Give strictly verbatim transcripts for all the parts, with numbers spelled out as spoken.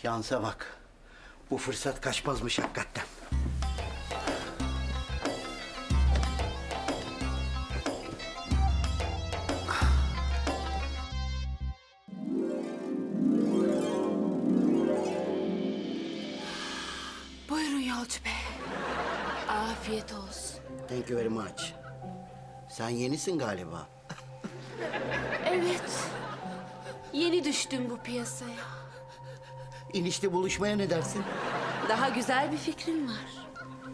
Şansa bak. Bu fırsat kaçmazmış hakikaten. Buyurun Yolcu Bey. Afiyet olsun. Thank you very much. Sen yenisin galiba. Evet. Yeni düştüm bu piyasaya. İnişte buluşmaya ne dersin? Daha güzel bir fikrim var.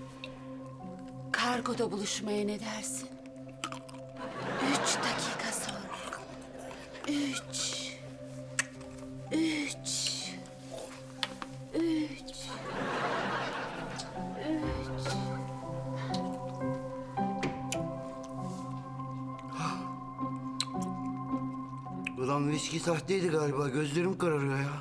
Kargoda buluşmaya ne dersin? Üç dakika sonra. Üç. Üç. Üç. Üç. Ulan viski sahteydi galiba. Gözlerim kararıyor ya.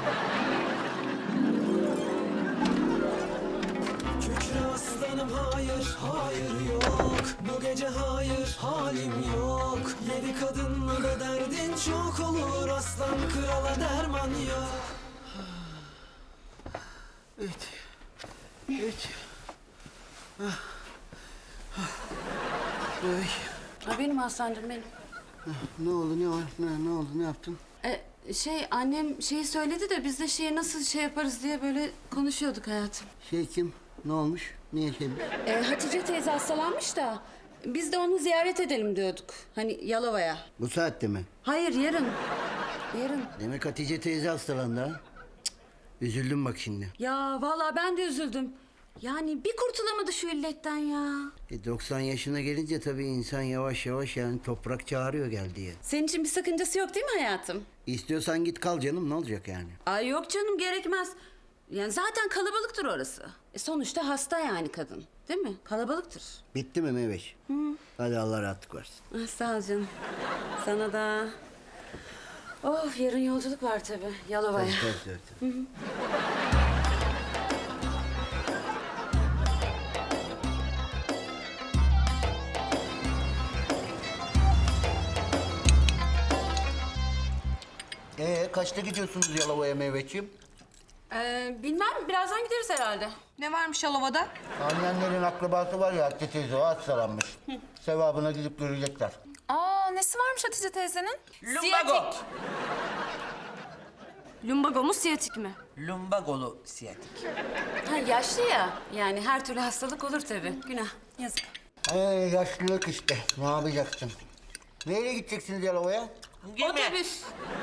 Kükre aslanım hayır, hayır yok. Bu gece hayır, halim yok. Yedi kadınla da derdin çok olur. Aslan krala derman yok. Evet. Evet. Ah. Ah. Ay. Ha, benim Hasan'cığım benim. Ne oldu, ne var? Ne, ne oldu, ne yaptın? Ee, şey annem şeyi söyledi de biz de şeye nasıl şey yaparız diye böyle konuşuyorduk hayatım. Şey kim? Ne olmuş? Niye şey? Ee, Hatice teyze hastalanmış da biz de onu ziyaret edelim diyorduk. Hani Yalova'ya. Bu saatte mi? Hayır yarın. Yarın. Demek Hatice teyze hastalandı ha? Cık, üzüldüm bak şimdi. Ya vallahi ben de üzüldüm. Yani bir kurtulamadı şu illetten ya. E doksan yaşına gelince tabii insan yavaş yavaş yani toprak çağırıyor gel diye. Senin için bir sakıncası yok değil mi hayatım? İstiyorsan git kal canım, ne olacak yani? Ay yok canım gerekmez. Yani zaten kalabalıktır orası. E sonuçta hasta yani kadın. Değil mi? Kalabalıktır. Bitti mi Meveş? Hı. Hadi Allah rahatlık versin. Ah, sağ ol canım. Sana da. Of yarın yolculuk var tabii Yalova'ya. Tabii, tabii, tabii, tabii. Ee, kaçta gidiyorsunuz Yalova'ya Meyveciğim? Ee, bilmem birazdan gideriz herhalde. Ne varmış Yalova'da? Annenlerin akrabası var ya Hatice teyze, o hastalanmış. Sevabına gidip görecekler. Aa, nesi varmış Hatice teyzenin? Lumbago. Lumbago mu, siyatik mi? Lumbagolu siyatik. Ha yaşlı ya. Yani her türlü hastalık olur tabii. Günah. Yazık. Ee, yaşlılık işte, ne yapacaksın? Neyle gideceksiniz Yalova'ya? Gemi. Otobüs.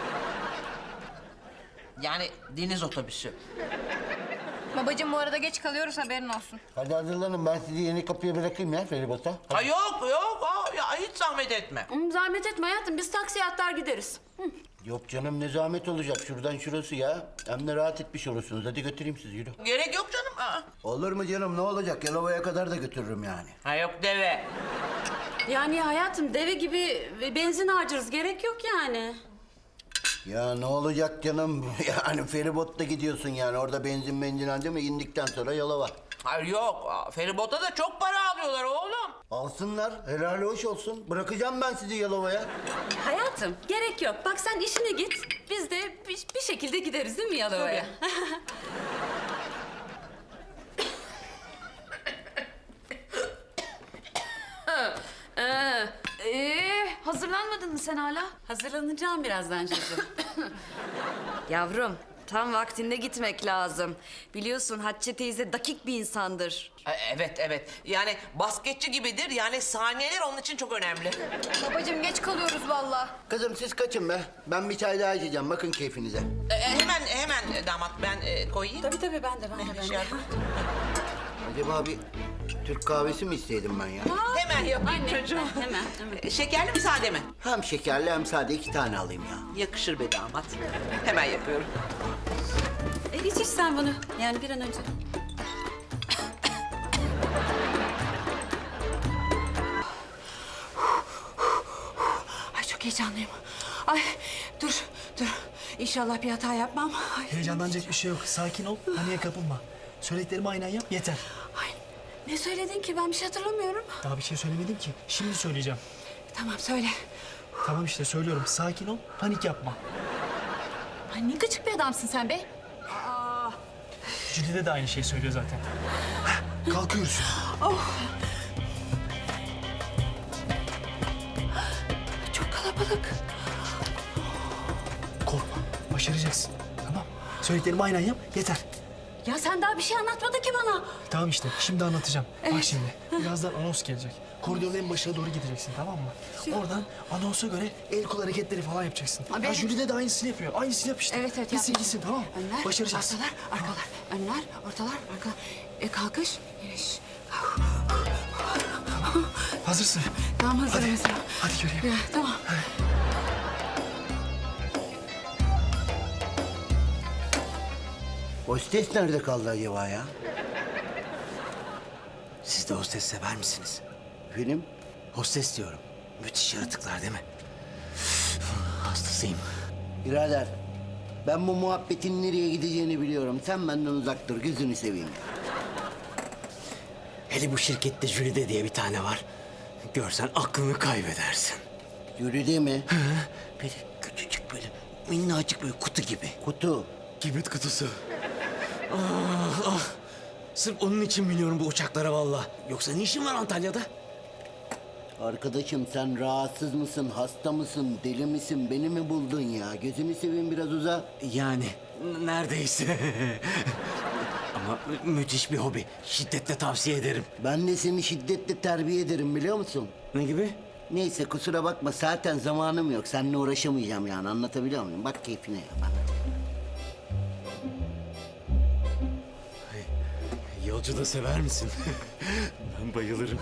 Yani deniz otobüsü. Babacığım bu arada geç kalıyoruz, haberin olsun. Hadi hazırlanın, ben sizi yeni kapıya bırakayım ya feribota. Ha yok yok aa, ya hiç zahmet etme. Hmm, zahmet etme hayatım. Biz taksiye atlar gideriz. Hı. Yok canım, ne zahmet olacak, şuradan şurası ya. Hem de rahat etmiş olursunuz, hadi götüreyim sizi, yürü. Gerek yok canım. Aa. Olur mu canım, ne olacak, Yalova'ya kadar da götürürüm yani. Ha yok deve. Yani hayatım deve gibi benzin harcarız. Gerek yok yani. Ya ne olacak canım, yani feribotta gidiyorsun yani, orada benzin benzin harcama, indikten sonra Yalova. Hayır yok. Aa, feribota da çok para alıyorlar oğlum. Alsınlar, helal hoş olsun. Bırakacağım ben sizi Yalova'ya. Hayatım gerek yok. Bak sen işine git. Biz de bir, bir şekilde gideriz değil mi Yalova'ya? ee, Ee, hazırlanmadın mı sen hala? hazırlanacağım birazdan çocuğum. Yavrum, tam vaktinde gitmek lazım. Biliyorsun Hatice teyze dakik bir insandır. Ha, evet evet. Yani basketçi gibidir. Yani saniyeler onun için çok önemli. Babacığım geç kalıyoruz vallahi. Kızım siz kaçın be. Ben bir çay daha içeceğim, bakın keyfinize. Ee, hemen hemen damat ben e, koyayım. Tabii tabii ben de ben de ben Şey de. yapma. Acaba bir Türk kahvesi mi isteydim ben ya? Hemen yapayım Anne çocuğum. heh, hemen hemen. Ee, Şekerli mi sade mi? Hem şekerli hem sade, iki tane alayım ya. Yakışır be damat. Hemen yapıyorum. E, iç iç sen bunu. Yani bir an önce. Ay çok heyecanlıyım. Ay dur dur. İnşallah bir hata yapmam. Ay, Heyecanlanacak bir şey yok. Sakin ol, paniğe kapılma. Söylediklerimi aynen yap, yeter. ay, ne söyledin ki? Ben bir şey hatırlamıyorum. Daha bir şey söylemedim ki. Şimdi söyleyeceğim. Tamam söyle. Tamam işte söylüyorum. Sakin ol, panik yapma. Ay ne gıcık bir adamsın sen be. Aa, Jülide de aynı şeyi söylüyor zaten. Heh, kalkıyoruz. Çok kalabalık. Korkma. Başaracaksın. Tamam. Söylediklerimi aynen yap. Yeter. Ya sen daha bir şey anlatmadın ki bana. Tamam işte. Şimdi anlatacağım. Bak şimdi. Birazdan anons gelecek. Koridorun en başına doğru gideceksin, tamam mı? Oradan anonsa göre el kol hareketleri falan yapacaksın. Abi- Ya Jülide de aynısını yapıyor. Aynısını yap işte. Evet evet. Gitsin yap. gitsin, tamam mı? Önler, Başaracağız. arkalar, arkalar. Önler, ortalar, arkalar. E kalkış, iniş. Hazırsın. Tamam hazırım Hadi. hazırım. Hadi göreyim. Ya, tamam. Hostes nerede kaldı acaba ya? Siz de hostes sever misiniz? Film? Hostes diyorum. Müthiş yaratıklar değil mi? Hastasıyım. Birader, ben bu muhabbetin nereye gideceğini biliyorum. Sen benden uzak dur, gözünü seveyim. Hele bu şirkette Jülide diye bir tane var. Görsen aklını kaybedersin. Yürüdü mi? Böyle küçücük böyle minnacık böyle kutu gibi. Kutu. Kibrit kutusu. Ah ah. Sırf onun için biliyorum bu uçaklara vallahi. Yoksa ne işin var Antalya'da? Arkadaşım sen rahatsız mısın, hasta mısın, deli misin? Beni mi buldun ya? Gözünü seveyim biraz uza. Yani n- neredeyse. Ama mü- müthiş bir hobi. Şiddetle tavsiye ederim. Ben de seni şiddetle terbiye ederim biliyor musun? Ne gibi? Neyse kusura bakma zaten zamanım yok. Seninle uğraşamayacağım yani anlatabiliyor muyum? Bak keyfine ya bak. Yolcu da sever misin? Ben bayılırım.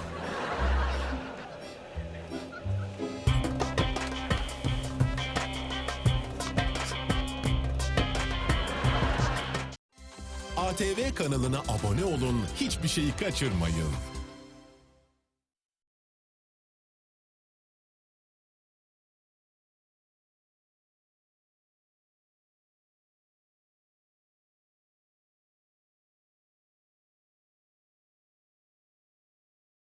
A T V kanalına abone olun, hiçbir şeyi kaçırmayın.